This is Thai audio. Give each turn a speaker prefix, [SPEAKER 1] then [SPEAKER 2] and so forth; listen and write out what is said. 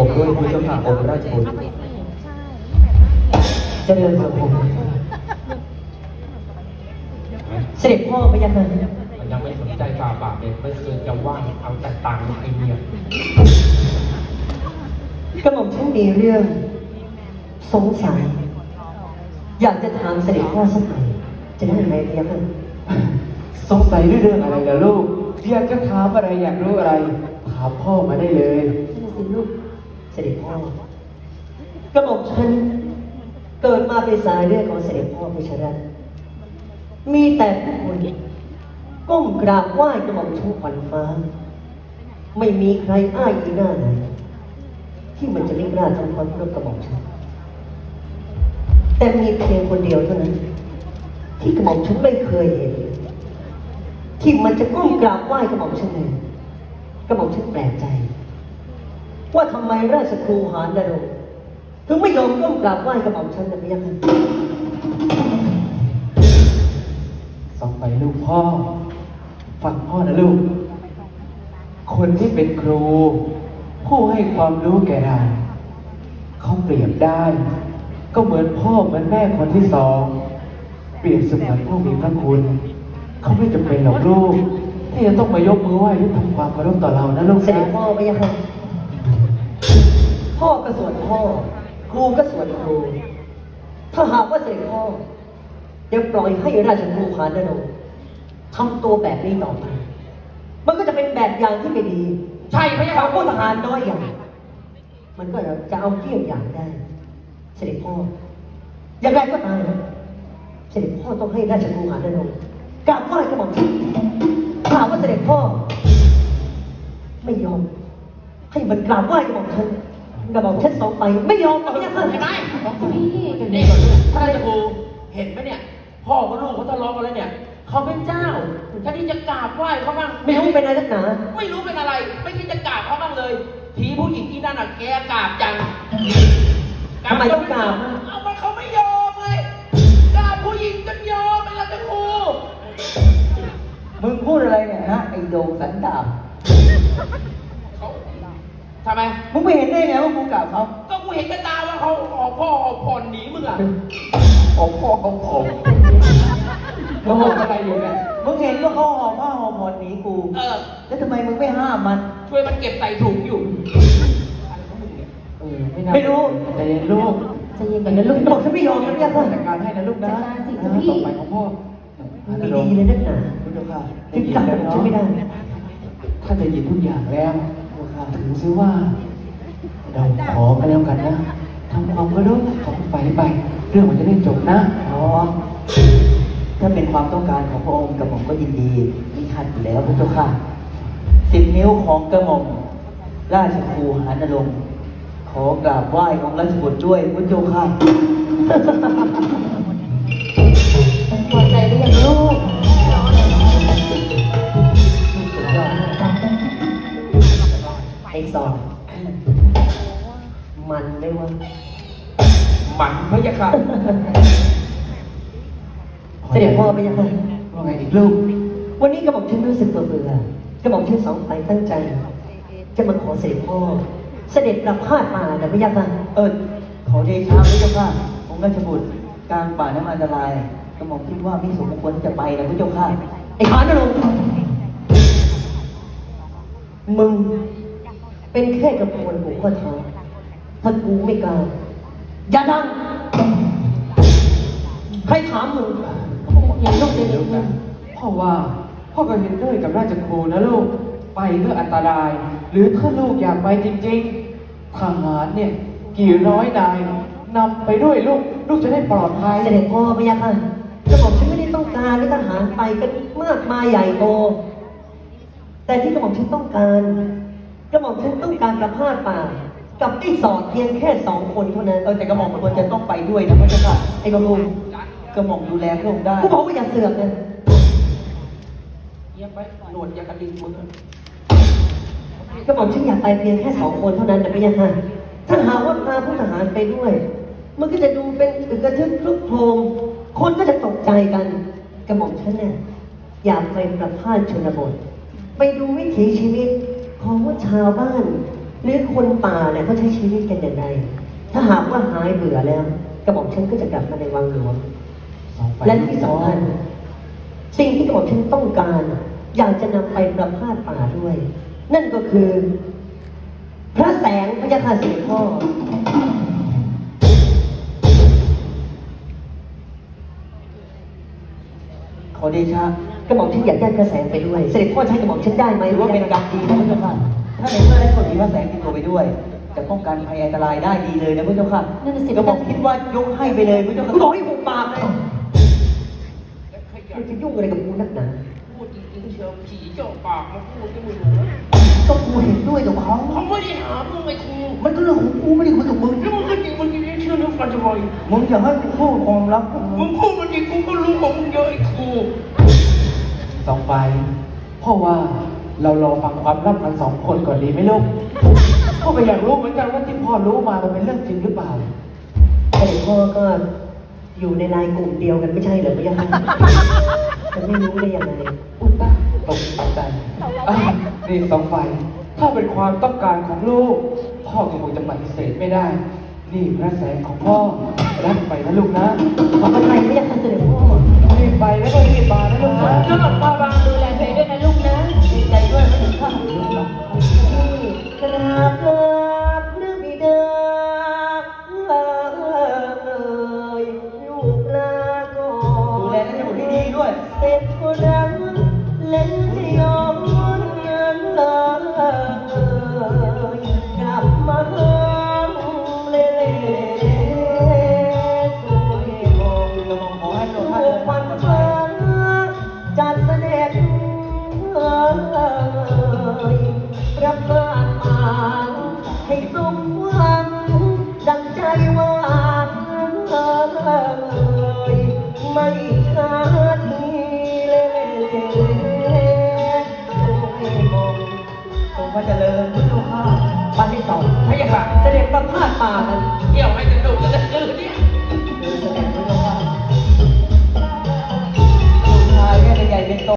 [SPEAKER 1] ผมด้วยพระเจ้าค่ะองค์ราชบุตร
[SPEAKER 2] เจริญสุขเสด็จพ่อพระยาค่ะ
[SPEAKER 3] มันยังไม่สนใจฝ่าบาทเลยไม่เคยจะว่างเอาแต่ตังค์ไอ้เนี่ย
[SPEAKER 2] กระหม่อมฉันมีเรื่องสงสัยอยากจะถามเสด็จพ่อสักหน่อยจะได้ไหมพระยาค่ะ
[SPEAKER 1] สงสัยเรื่องอะไรล่ะลูกอยากจะถามอะไรอยากรู้อะไรถามพ่อมาได้เลย
[SPEAKER 2] นี่สิลูกเสด็จพ่อกระหม่อมฉันเกิดมาเป็นสายเลือดของเสด็จพ่อพิชรัตน์มีแต่ผู้คนก้มกราบไหว้กระหม่อมฉันขวัญฟ้าไม่มีใครอ้ายอีหน้าไหนที่มันจะไม่กล้าทำความเคารพกระหม่อมฉันแต่มีเพียงคนเดียวเท่านั้นที่กระหม่อมฉันไม่เคยเห็นที่มันจะก้มกราบไหว้กระหม่อมฉันเลยกระหม่อมฉันแปลกใจว่าทำไมราชครูหานดารงค์ถึงไม่ยอมก้มกราบไหว้กระหม่อมฉันนะพี่ยักษ์
[SPEAKER 1] สองไปลูกพ่อฟังพ่อนะลูกคนที่เป็นครูผู้ให้ความรู้แก่เราเขาเปรียบได้ก็เหมือนพ่อเหมือนแม่คนที่สองเปรียบเสมือนผู้มีพระคุณเขาไม่จำเป็นหรอกลูกที่จะต้องมายกมือไหว้หรือทำความเคารพต่อเรานะลูก
[SPEAKER 2] เสด็จพ่อพี่ยักษ์พ่อก็ส่วนพ่อครูก็ส่วนครูถ้าหากว่าเสด็จพ่อยังปล่อยให้ราชครูหานดารงค์ทำตัวแบบนี้ต่อไปมันก็จะเป็นแบบอย่างที่ไม่ดี
[SPEAKER 3] ใช่พระยา
[SPEAKER 2] ทา
[SPEAKER 3] ค่ะ
[SPEAKER 2] งผู้ทหารน้อยอย่างมันก็จะเอาเกี่ยงอย่างได้ เสด็จพ่ออย่างไรก็ตามนะเสด็จพ่อต้องให้ราชครูหานดารงค์กราบไหว้กระหม่อมฉันถามว่าเสด็จพ่อ ไม่ยอมให้มันกราบไหว้กระหม่อมฉันกระหม่อมฉันสองไปไม่ยอมหรอกเนี่ย
[SPEAKER 3] เห็นไหมนี่ท่านราชครูเห็นไหมเนี่ย พ่อกับลูกเขาทะเลาะกันแล้วเนี่ย เขาเป็นเจ้าท่านที่จะกราบไหว้เขาบ้าง
[SPEAKER 2] ไม่รู้เป็นอะไรนักหนา
[SPEAKER 3] ไม่รู้เป็นอะไร ไม่คิดจะกราบเขาบ้างเลย ทีผู้หญิงที่นั่นอ่ะแกกราบจัง
[SPEAKER 2] ทำไมต้องกราบ
[SPEAKER 3] เอามันเขาไม่ยอมเลยกราบผู้หญิงจนยอมไปแล้วจะครู
[SPEAKER 2] มึงพูดอะไรเนี่ยฮะไอ้โดงสันดาบ
[SPEAKER 3] เขาทำไม
[SPEAKER 2] มึงไม่เห็นได้ไงว่ากูกราบเขา
[SPEAKER 3] ก็กูเห็นกับตาว่าเขาออกพ่อออกผ่อนหนีมึงอ่ะ
[SPEAKER 1] ออกพ่อของผมเขาบอกอะไรอยู่เนี่ย
[SPEAKER 2] มึงเห็นว่าเขาหอบผ้าหอบผ่อนหนีกู
[SPEAKER 3] เออ
[SPEAKER 2] แล้วทำไมมึงไม่ห้ามมัน
[SPEAKER 3] ช่วยมันเก็บใส่ถุงอยู่
[SPEAKER 2] ไม่รู้
[SPEAKER 1] แต่เย็นลูก
[SPEAKER 2] ใจเย็นก่อนนะลูกบอกฉันไม่ยอมนะเนี่ยค่ะ
[SPEAKER 1] จัดการให้นะลูกนะ
[SPEAKER 2] จัดการสิคุณพี่
[SPEAKER 1] ต่อไปของพ่อ
[SPEAKER 2] ไม่ดีเลยนักหนา
[SPEAKER 1] พุทธค่ะ
[SPEAKER 2] ถึงกลับฉันไม่ได้
[SPEAKER 1] ถ้าจะยินทุกอย่างแล้วถือซิว่า เราขอกันแล้วกันนะทำความเคารพของฝ่ายไป เรื่องมันจะได้จบนะอ๋อ
[SPEAKER 2] ถ้าเป็นความต้องการของพระองค์กระหม่อมก็ยินดีมีขัดอยู่แล้วพระเจ้าค่ะ10 นิ้วของกระหม่อมราชครูหานดารงค์ขอกราบไหว้ของราชบุตรด้วยพระเจ้าค่ะพอใจหรือยังลูกไอ้สองมันไม่ว่า
[SPEAKER 3] หมันพระยาค่ะ
[SPEAKER 2] เสด็จพ่อไปยังไง
[SPEAKER 1] ว่าไงอีกลูก
[SPEAKER 2] วันนี้กระหม่อมฉันรู้สึกเบื่อกระหม่อมฉันสองฝ่ายตั้งใจ จะมาขอเสด็จพ่อ เสด็จประพาสมาแต่ไม่ยากนะขอเดชะพระเจ้าค่ะองค์ราชบุตรกลางป่าน้ำอันตรายกระหม่อมคิดว่าไม่สมควรที่จะไปนะพระเจ้าค่ะไอ้ขานนรงค์มึงเป็นแค่กระพวนหัวข้อเท้าถ้ากูไม่กล้าอย่าดังใครถามมึงอย่าต้องเป็น
[SPEAKER 1] ลูกนะพ่อว่าพ่อก็เห็นด้วยกับราชครูนะลูก ไปก็อันตราย หรือถ้าลูกอยากไปจริงๆทหารเนี่ย กี่ร้อยนายนำไปด้วยลูก ลูกจะได้ปลอดภัย
[SPEAKER 2] เสด็จพ่อพระยาค่ะกระหม่อมฉันไม่ได้ต้องการให้ทหารไปกันมากมายใหญ่โต แต่ที่กระหม่อมฉันต้องการกระหม่อมฉันต้องการประพาสป่า กับไอ้สอดเพียงแค่2 คนเท่านั้นแต่กระหม่อมควรจะต้องไปด้วยนะพระเจ้าค่ะไอ้กระหม่อมกระหม่อมดูแลพระองค์ได้กูบอกว่าอย่าเสือกนะ
[SPEAKER 3] เงียบไปหนวดอยากระดิ่งมึงอะ
[SPEAKER 2] กระหม่อมฉันอยากไปเพียงแค่2 คนเท่านั้นนะพระยาค่ะถ้าหากว่าพาผู้ทหารไปด้วย มันก็จะดูเป็นอึกกระทึกคลุกโครมคนก็จะตกใจกันกระหม่อมฉันเนี่ยอยากไปประพาสชนบท ไปดูวิถีชีวิตของว่าชาวบ้านหรือคนป่าเนี่ยเขาใช้ชีวิตกันอย่างไรถ้าหากว่าหายเบื่อแล้วกระหม่อมฉันก็จะกลับมาในวังหลวง
[SPEAKER 1] สองไฟ
[SPEAKER 2] และ
[SPEAKER 1] ลูก
[SPEAKER 2] ที่
[SPEAKER 1] พ่อ
[SPEAKER 2] สำคัญสิ่งที่กระหม่อมฉันต้องการ อยากจะนำไปประพาสป่าด้วย นั่นก็คือ พระแสงพระยาคาเสด็จพ่อ
[SPEAKER 4] ขอเดชะ
[SPEAKER 2] กระหม่อมฉันอยากได้พระแสงไปด้วย เสด็จพ่อใช้กระหม่อมฉันได้ไหม
[SPEAKER 4] ถือว่าเป็นกรรมดีนะพระเจ้าค่ะ ถ้าในเมื่อได้คนมีพระแสงติดตัวไปด้วย จะป้องกันภัยอันตรายได้ดีเลยนะพระเจ้าค่ะ
[SPEAKER 2] นั่นน่ะสิ
[SPEAKER 4] ก็บอกคิดว่ายกให้ไปเลยพระเจ้าค่ะ
[SPEAKER 2] กูบอกให้หุบปากเลยมึงจะยุ่งอะไรกับกูนักหนา
[SPEAKER 3] พูดจริงๆเชียวผีเจาะปากมาพูดที่มึงรู้
[SPEAKER 4] ก็กูเห็นด้วยกับเขา
[SPEAKER 3] เขาไม่ได้หามึงไอ้ครู
[SPEAKER 4] มันก็เรื่องของกูไม่ได้คุยกับมึง
[SPEAKER 3] แล้วมึงก็จริงมึงจะเชื่อเรื่องกันทำไม
[SPEAKER 4] มึงอย่าให้กูพูดความลับของ
[SPEAKER 3] มึ
[SPEAKER 4] มึ
[SPEAKER 3] ง
[SPEAKER 4] ง
[SPEAKER 3] พูดมันจริงกูก็รู้ของมึงเยอะไอ้ครู
[SPEAKER 1] สองไฟพ่อว่าเรารอฟังความลับกันสองคนก่อนดีไหมลูกพ่อก็อยากรู้เหมือนกันว่าที่พ่อรู้มามันเป็นเรื่องจริงหรือเปล่า
[SPEAKER 2] เสด็จพ่อก็อยู่ในไลน์กลุ่มเดียวกันไม่ใช่เหรอพระยาค่ะจะไม่รู้ได้ยังไง
[SPEAKER 1] อุยตาตกใจนี่สองไฟถ้าเป็นความต้องการของลูก พ่อก็คงจะปฏิเสธไม่ได้ นี่พระแสงของพ่อรับไปนะลูกนะ
[SPEAKER 2] ขอพระไทยพระยาค่ะเสด็จพ่อ
[SPEAKER 1] รีบไปแล้วก็รีบมานะลูกนะ
[SPEAKER 3] เจ้าหน้าที่บางดูแลตัวเองด้วยนะลูกนะดีใจด้วยไม่ถึงข้าว
[SPEAKER 2] กราบลาพระบิดาลูกลาก่อน
[SPEAKER 4] ดูแลนั่นให้หมดให้ดีด้วย
[SPEAKER 2] เสร็จก็รังเล่นจะยอมเงินเลยกลับมาหาเล่สวยมอง
[SPEAKER 4] กระหม่อมขอให้พระองค์ท่าน
[SPEAKER 2] ลู
[SPEAKER 4] เดิ
[SPEAKER 2] ก
[SPEAKER 4] น
[SPEAKER 2] วั
[SPEAKER 4] ทาง
[SPEAKER 2] น
[SPEAKER 4] ปลอดภั
[SPEAKER 2] ฟ้าย จัดเสด็จประพาสป่าให้สมหวังดังใจหวานไม่ขาดทีมอง
[SPEAKER 4] ทรงพระเจริญพระเจ้าค่ะ
[SPEAKER 2] บ้านที่สอง
[SPEAKER 3] พระยาค่ะ
[SPEAKER 2] เสด็จประพาสป่ากัน
[SPEAKER 3] เที่ยวให้สนุกกันเลย